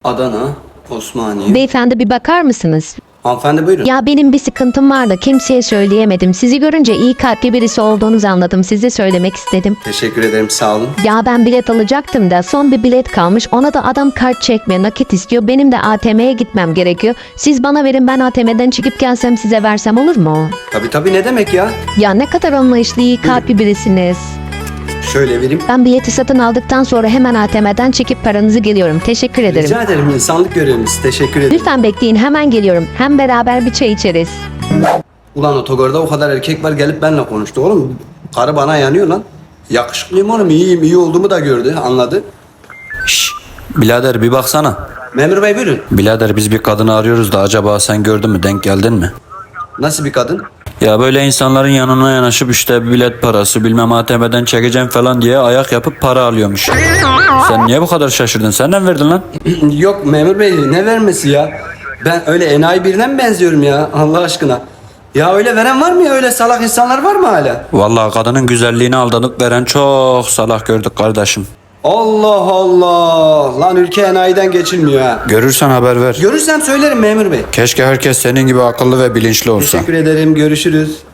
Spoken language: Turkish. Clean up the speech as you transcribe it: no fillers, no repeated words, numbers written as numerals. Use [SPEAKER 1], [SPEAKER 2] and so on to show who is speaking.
[SPEAKER 1] Adana, Osmaniye.
[SPEAKER 2] Beyefendi bir bakar mısınız?
[SPEAKER 1] Hanımefendi buyurun.
[SPEAKER 2] Ya benim bir sıkıntım var da kimseye söyleyemedim. Sizi görünce iyi kalpli birisi olduğunuzu anladım. Size söylemek istedim.
[SPEAKER 1] Teşekkür ederim, sağ olun.
[SPEAKER 2] Ya ben bilet alacaktım da son bir bilet kalmış. Ona da adam kart çekme, nakit istiyor. Benim de ATM'ye gitmem gerekiyor. Siz bana verin, ben ATM'den çıkıp gelsem size versem olur mu?
[SPEAKER 1] Tabii ne demek ya?
[SPEAKER 2] Ya ne kadar anlayışlı, iyi kalpli birisiniz.
[SPEAKER 1] Şöyle vereyim.
[SPEAKER 2] Ben bileti satın aldıktan sonra hemen ATM'den çekip paranızı geliyorum. Teşekkür ederim.
[SPEAKER 1] Rica ederim, insanlık görevimiz. Teşekkür ederim.
[SPEAKER 2] Lütfen bekleyin, hemen geliyorum. Hem beraber bir çay içeriz.
[SPEAKER 1] Ulan otogarda o kadar erkek var, gelip benimle konuştu oğlum. Karı bana yanıyor lan. Yakışıklıyım oğlum, iyiyim, iyi olduğumu da gördü, anladı.
[SPEAKER 3] Şşş, birader bir baksana.
[SPEAKER 1] Memur bey buyurun.
[SPEAKER 3] Birader biz bir kadını arıyoruz da acaba sen gördün mü, denk geldin mi?
[SPEAKER 1] Nasıl bir kadın?
[SPEAKER 3] Ya böyle insanların yanına yanaşıp işte bilet parası bilmem ATM'den çekeceğim falan diye ayak yapıp para alıyormuş. Sen niye bu kadar şaşırdın? Senden verdin lan.
[SPEAKER 1] Yok memur bey, ne vermesi ya? Ben öyle enayi birine mi benziyorum ya, Allah aşkına? Ya öyle veren var mı ya, öyle salak insanlar var mı hala?
[SPEAKER 3] Vallahi kadının güzelliğine aldanıp veren çok salak gördük kardeşim.
[SPEAKER 1] Allah Allah! Lan ülke enayiden geçilmiyor ha.
[SPEAKER 3] Görürsen haber ver.
[SPEAKER 1] Görürsem söylerim memur bey.
[SPEAKER 3] Keşke herkes senin gibi akıllı ve bilinçli olsa.
[SPEAKER 1] Teşekkür ederim, görüşürüz.